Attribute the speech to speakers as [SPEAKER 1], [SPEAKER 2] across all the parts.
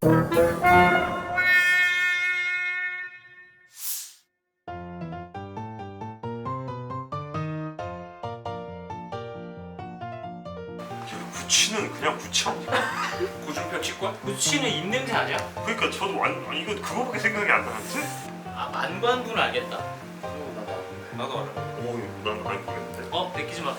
[SPEAKER 1] 구취는 그냥 구취 아니야?
[SPEAKER 2] 고준표 치권?
[SPEAKER 3] 구취는 입냄새 아니야?
[SPEAKER 1] 그러니까 저도 이거 그거밖에 생각이 안 나는데?
[SPEAKER 3] 아 만관부는 알겠다.
[SPEAKER 2] 나도 알아.
[SPEAKER 1] 난 많이 모르겠는데?
[SPEAKER 3] 베끼지 마.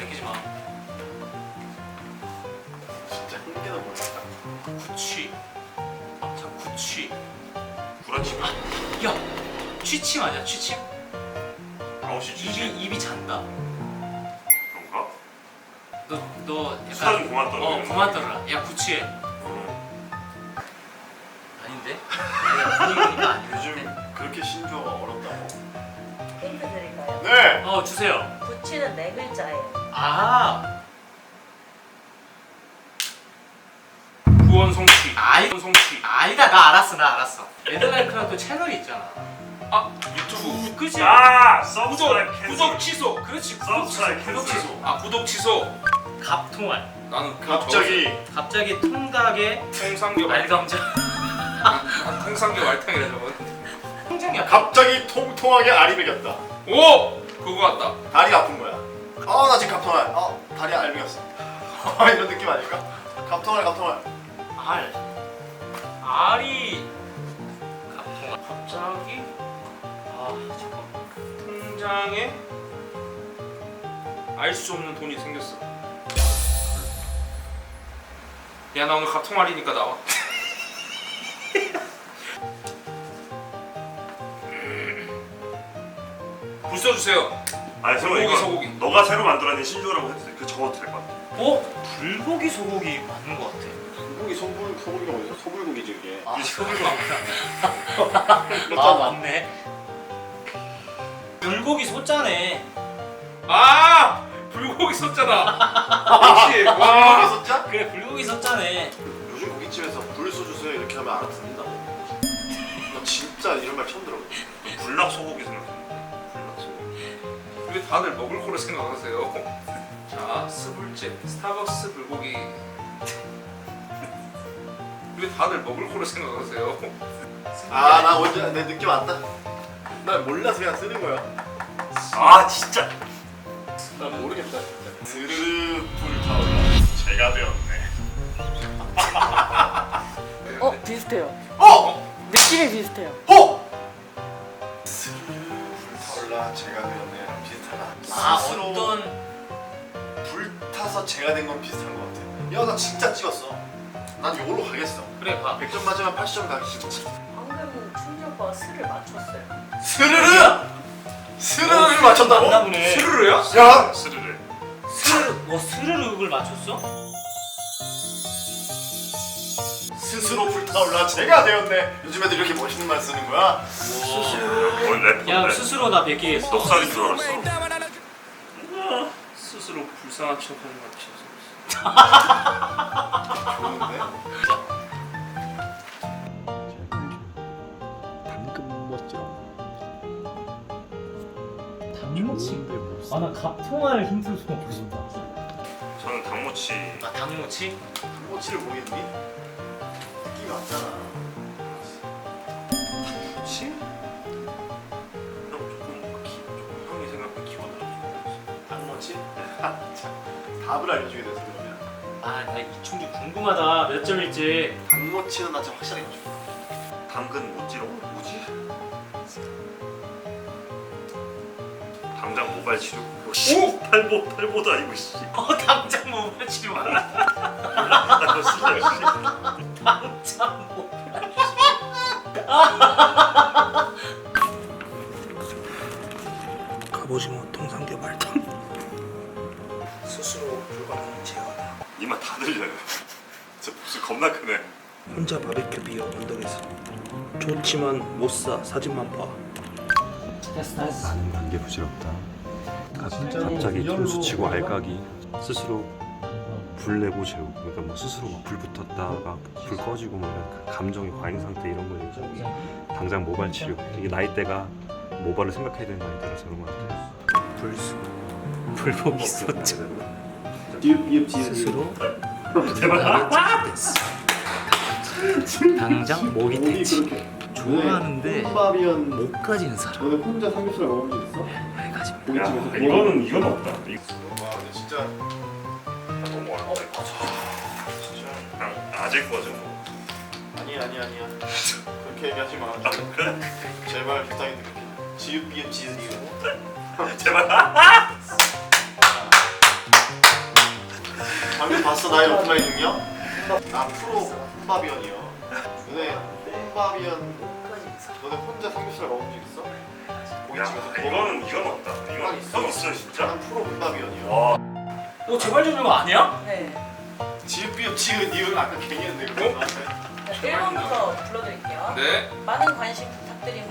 [SPEAKER 4] 진짜 한 개도 모르겠다.
[SPEAKER 3] 구취. 자 구취.
[SPEAKER 1] 구라치면
[SPEAKER 3] 야 취침 아니야 취침?
[SPEAKER 1] 아웃이 주지
[SPEAKER 3] 입이 잔다.
[SPEAKER 1] 그런가?
[SPEAKER 3] 너
[SPEAKER 1] 수다 좀
[SPEAKER 3] 약간
[SPEAKER 1] 그만 떨어.
[SPEAKER 3] 그만 떨어라. 야 구취해. 아닌데? 아니야 분위기가 아닌데.
[SPEAKER 4] 요즘 그렇게 신조어가 어렵다고?
[SPEAKER 5] 힌트 드릴까요?
[SPEAKER 4] 네!
[SPEAKER 3] 주세요.
[SPEAKER 5] 구취는 네 글자예요.
[SPEAKER 3] 아
[SPEAKER 2] 구원 성취. 성취.
[SPEAKER 3] 아니다 나 알았어. 레드라이크라도 채널이 있잖아.
[SPEAKER 2] 아 유튜브.
[SPEAKER 3] 그치?
[SPEAKER 2] 구독 취소.
[SPEAKER 3] 그렇지
[SPEAKER 1] 서브스크라이브
[SPEAKER 3] 구독
[SPEAKER 1] 캔슬.
[SPEAKER 3] 취소.
[SPEAKER 2] 아 구독 취소.
[SPEAKER 3] 갑통알.
[SPEAKER 2] 나는 그거
[SPEAKER 3] 갑자기 통닭에
[SPEAKER 2] 통삼겹
[SPEAKER 3] 알감자.
[SPEAKER 2] 통삼겹 알탕이라 저거.
[SPEAKER 3] 통장이야.
[SPEAKER 4] 갑자기 통통하게 알이 베겼다.
[SPEAKER 2] 오 그거 같다.
[SPEAKER 4] 다리가 아픈 거야. 나 지금 갑통알. 다리 알 베겼어. 이런 느낌 아닐까? 갑통알.
[SPEAKER 3] 알이 갑통알. 갑자기 잠깐.
[SPEAKER 2] 통장에 알 수 없는 돈이 생겼어. 야 나 오늘 갑통알이니까 나와. 불 써주세요.
[SPEAKER 1] 아니 저거 이거
[SPEAKER 2] 소고기.
[SPEAKER 1] 너가 새로 만들어낸 신조어라고 해도 돼. 그 적어도 될 것 같아.
[SPEAKER 3] 불고기 소고기 맞는 것 같아.
[SPEAKER 4] 소고기 소불고기가 어디서 소불고기지 이게.
[SPEAKER 3] 소고기 맞구나. 맞네. 불고기 소짜네.
[SPEAKER 2] 불고기 썼잖아. 역시 와.
[SPEAKER 4] 소고기 숫자?
[SPEAKER 3] 그래 불고기 소짜네.
[SPEAKER 4] 요즘 고깃집에서 불 써주세요 이렇게 하면 알아듣는다고. 나 진짜 이런 말 처음 들어.
[SPEAKER 1] 불락 소고기 생각했는데. 불락 소고기.
[SPEAKER 2] 왜 다들 먹을 거로 생각하세요? 자 스불집 스타벅스 불고기. 왜 다들 먹을 거로 생각하세요?
[SPEAKER 4] 나 먼저 내 느낌 왔다. 난 몰라서 그냥 쓰는 거야.
[SPEAKER 1] 진짜.
[SPEAKER 4] 난 모르겠다 진짜. 스르르 불타올라 제가 되었네.
[SPEAKER 5] 비슷해요.
[SPEAKER 4] 어!
[SPEAKER 5] 느낌이 비슷해요.
[SPEAKER 4] 스르르 불타올라 제가 되었네랑 비슷하다. 스스로
[SPEAKER 3] 어떤
[SPEAKER 4] 불타서 제가 된 건 비슷한 것 같아. 야 나 진짜 찍었어. 난 이걸로 가겠어.
[SPEAKER 3] 그래 봐.
[SPEAKER 4] 100점 맞으면 80점 가기 싫지.
[SPEAKER 5] 방금 충주 오빠가 스를 맞췄어요.
[SPEAKER 4] 스르르! 스르르를 맞췄다고?
[SPEAKER 3] 맞나 보네.
[SPEAKER 2] 스르르야?
[SPEAKER 4] 야!
[SPEAKER 1] 스르르.
[SPEAKER 3] 스르륵을 맞췄어?
[SPEAKER 4] 스스로 불타올라 제가 되었네. 요즘 애들 이렇게 멋있는 말 쓰는 거야?
[SPEAKER 1] 원래
[SPEAKER 3] 야 스스로 나 베끼겠어.
[SPEAKER 1] 똑살인 줄 알았어.
[SPEAKER 2] 스스로 불쌍한 척하는 것 같아서.
[SPEAKER 4] 좋은데?
[SPEAKER 6] 당근 멋지라고.
[SPEAKER 3] 당모치? 나 갑통알 힌트를 좀 먹고 싶다.
[SPEAKER 1] 저는 당모치.
[SPEAKER 3] 당모치?
[SPEAKER 4] 당모치를 모르겠니? 느낌이 왔잖아.
[SPEAKER 1] 당모치? 조금 형이 생각보다 키워드가
[SPEAKER 4] 당모치? 답을 알려주게 돼서 그러면
[SPEAKER 3] 나 이충주 궁금하다. 몇 점일지.
[SPEAKER 4] 당모치는 나 진짜 확실하게 맞춰.
[SPEAKER 1] 당근 모찌라고 뭐지? 당장 모발 치료. 탈보다 이거 씨.
[SPEAKER 3] 당장 모발 치료 말아.
[SPEAKER 1] 나 그거 쓰자 씨.
[SPEAKER 3] 당장 모발
[SPEAKER 2] 갑오징어 통삼겹 알탕. 스스로 불가능한 제어다.
[SPEAKER 1] 이마 다 들려요. 저 무슨 겁나 크네.
[SPEAKER 2] 혼자 바베큐 비어 언덕에서. 좋지만 못 사. 사진만 봐.
[SPEAKER 3] 됐어.
[SPEAKER 6] 단계 부질없다. 갑자기 통수 치고 알까기 스스로 불 내고 재우고 그러니까 뭐 스스로 막 불 붙었다가 불 꺼지고 뭐 이런 그 감정의 과잉 상태 이런 거 얘기하고 당장 모발 치료 이게 나이대가 모발을 생각해야 되는 나이대라서 그런 것 같아요.
[SPEAKER 2] 불수.
[SPEAKER 6] 불복이 있었죠.
[SPEAKER 2] 스스로
[SPEAKER 1] 대박.
[SPEAKER 3] 당장 목이 대치. 좋아하는데
[SPEAKER 4] 홈밥이언
[SPEAKER 3] 못 가지는 사람.
[SPEAKER 4] 너네 혼자 삼겹살 먹은 적 있어?
[SPEAKER 3] 왜 가지?
[SPEAKER 1] 야,
[SPEAKER 4] 고깃집에서
[SPEAKER 1] 이건 없다.
[SPEAKER 4] 와 근데 진짜
[SPEAKER 1] 너무 어렵다. 진짜 그냥 아재 거죠. 뭐.
[SPEAKER 4] 아니야 그렇게 얘기하지 마 제발 부탁인데 그렇게 지읒 비읒 지읒 이거
[SPEAKER 1] 제발.
[SPEAKER 4] 방금 봤어 나의 오프라인 능력? 나 프로 홈밥이언이요 너네 홈밥이언 너네 혼자 삼겹살 먹은 적 있어?
[SPEAKER 1] 야, 이건 없다. 이건 있어 진짜.
[SPEAKER 4] 난 프로 홈밥이언이요
[SPEAKER 1] 와.
[SPEAKER 3] 너 제발 좀 이거 아니야?
[SPEAKER 5] 네.
[SPEAKER 4] 지읒 비읒 지읒 이거 아까 괜히 했는데 그거 나한테
[SPEAKER 5] 네, 1번부터 불러드릴게요.
[SPEAKER 2] 네.
[SPEAKER 5] 많은 관심 부탁드립니다.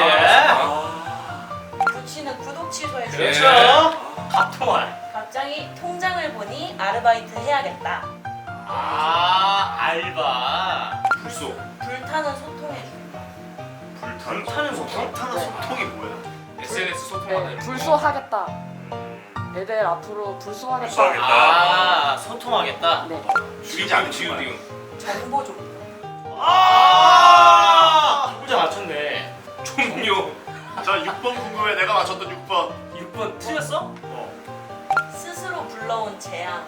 [SPEAKER 3] 아
[SPEAKER 5] 부치는 구독 취소해
[SPEAKER 2] 네.
[SPEAKER 5] 주세요.
[SPEAKER 3] 그렇죠. 갑통알.
[SPEAKER 5] 갑자기 통장을 보니 아르바이트 해야겠다.
[SPEAKER 3] 아 알바.
[SPEAKER 2] 불소.
[SPEAKER 5] 불타는 소통해 준다.
[SPEAKER 3] 불타는 소통?
[SPEAKER 4] 불타는 소통이 뭐야?
[SPEAKER 2] SNS 소통하는.
[SPEAKER 7] 네, 불소하겠다. 애들 앞으로 불소하겠다.
[SPEAKER 1] 불소하겠다.
[SPEAKER 3] 아 소통하겠다.
[SPEAKER 7] 네.
[SPEAKER 4] 죽이지 않는
[SPEAKER 2] 지우
[SPEAKER 4] 거야.
[SPEAKER 2] 비움.
[SPEAKER 5] 정보 좀.
[SPEAKER 3] 아 혼자 맞췄네.
[SPEAKER 2] 종료.
[SPEAKER 4] 자 6번 궁금해 내가 맞췄던 6번
[SPEAKER 3] 6번 틀렸어?
[SPEAKER 5] 스스로 불러온 재앙.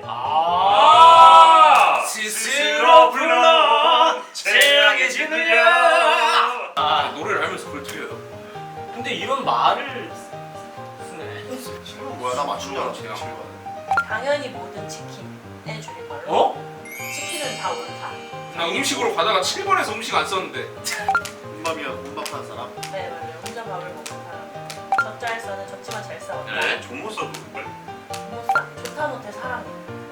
[SPEAKER 3] 아
[SPEAKER 1] 스스로 불러 재앙의 진우야.
[SPEAKER 3] 아
[SPEAKER 2] 노래를 하면서 그걸 틀려요.
[SPEAKER 3] 근데 이런 말을 쓰네.
[SPEAKER 4] 친구는 뭐야 나 맞춘 줄 알았지
[SPEAKER 2] 재앙.
[SPEAKER 4] 친구가.
[SPEAKER 5] 당연히 모든 치킨의 줄임말로.
[SPEAKER 3] 어?
[SPEAKER 5] 치킨은 다 옳다.
[SPEAKER 2] 나 음식으로 가다가 7번에서 음식 안 썼는데.
[SPEAKER 4] 혼밥이야 혼밥하는 사람?
[SPEAKER 5] 네 맞아요. 혼자 밥을 먹는 사람. 젖잘싸는 젖지만 잘 싸운다.
[SPEAKER 3] 네.
[SPEAKER 1] 종못 써도 돼.
[SPEAKER 5] 못싸 좋다 못해 사랑해.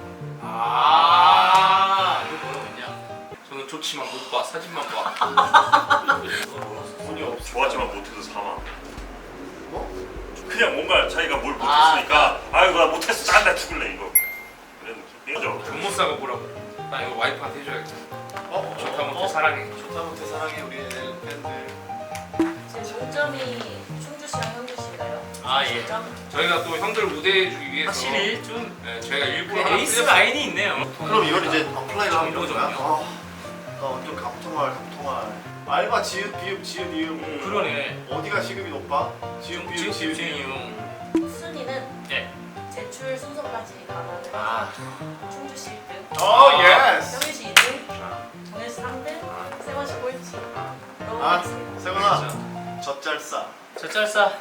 [SPEAKER 3] 아 이거 뭐라고 했냐?
[SPEAKER 2] 저는 좋지만 못 봐. 사진만 봐.
[SPEAKER 4] 돈이 없어
[SPEAKER 1] 좋았지만 못해서 사망.
[SPEAKER 4] 뭐?
[SPEAKER 1] 그냥 뭔가 자기가 뭘 못했으니까 아이고 나 못했어 짠다 죽을래 이거. 그런 느낌.
[SPEAKER 2] 존모사가 뭐라고? 나 이거 와이프한테 해줘야겠다. 좋다 못해 사랑해.
[SPEAKER 4] 좋다 못해 사랑해 우리 애들 팬들
[SPEAKER 5] 지금 동점이 충주 씨랑 현주 씨인가요?
[SPEAKER 3] 아, 예.
[SPEAKER 5] 점
[SPEAKER 2] 저희가 또 형들 우대해주기 위해서.
[SPEAKER 3] 확실히 좀
[SPEAKER 2] 네, 저희가 일부러 하나
[SPEAKER 3] 에이스
[SPEAKER 2] 틀렸어요.
[SPEAKER 3] 라인이 있네요.
[SPEAKER 4] 그럼 이걸 이제 어플라이를 하면 이런 거야?
[SPEAKER 3] 정보적이요.
[SPEAKER 4] 나 완전 갑통알 알바 지읒 비읒 지읒 이음
[SPEAKER 3] 그러네.
[SPEAKER 4] 어디가 시급이 높아? 지읒 비읒 지읒 이음
[SPEAKER 5] 순위는
[SPEAKER 3] 네.
[SPEAKER 5] 제출 순서까지 감안을 해서
[SPEAKER 3] 아
[SPEAKER 5] 충주 씨 1등,
[SPEAKER 4] 오 예스!
[SPEAKER 5] 현주 씨 2등, 정현 씨 3등, 세원 씨 꼴찌. 그러고
[SPEAKER 4] 아
[SPEAKER 5] 하겠습니다.
[SPEAKER 4] 세훈아 젖잘싸
[SPEAKER 3] 젖잘싸.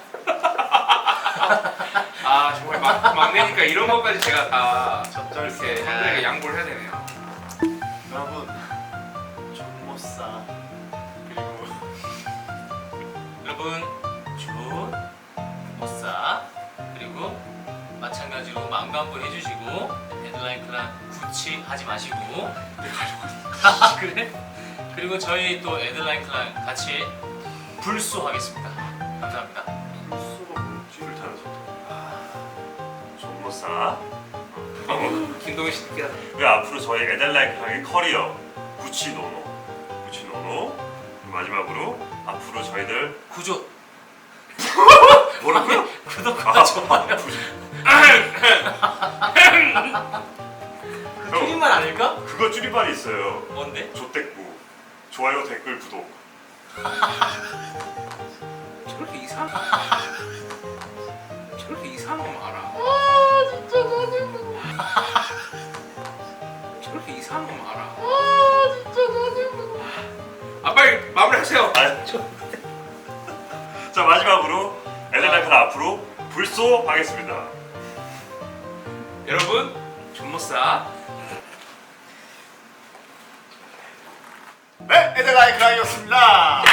[SPEAKER 2] 아 정말 막내니까 이런 것까지 제가 다
[SPEAKER 4] 젖잘싸
[SPEAKER 2] 이렇게 형들에게 양보를 해야 되네요.
[SPEAKER 4] 여러분 존못싸 그리고
[SPEAKER 3] 여러분 준 못사 그리고 마찬가지로 망간부 해주시고 데드라인 클란 구치하지 마시고 아 그래? 그리고 저희 또 에드라인 클란 같이 불소하겠습니다. 감사합니다.
[SPEAKER 4] 불소가 뭐지?
[SPEAKER 1] 불타는 소통. 종못 사.
[SPEAKER 2] 김동현 씨 느끼하다.
[SPEAKER 1] 그 앞으로 저희 에델라이크의 커리어 구치노노 그리고 마지막으로 앞으로 저희들
[SPEAKER 3] 구조
[SPEAKER 1] 뭐라고요?
[SPEAKER 3] 구독과 좋아요. 그 줄임말 아닐까?
[SPEAKER 1] 그거 줄임말이 있어요.
[SPEAKER 3] 뭔데?
[SPEAKER 1] 조댓구 좋아요 댓글 구독.
[SPEAKER 2] 저렇게 이상한 저렇게 이상한 거 알아. 저렇게 이상한 거 알아. 아 빨리 마무리하세요.
[SPEAKER 1] 자 마지막으로 에델라이크 앞으로 불소하겠습니다.
[SPEAKER 2] 여러분 존모싸.
[SPEAKER 4] 네 에델라이크 라이였습니다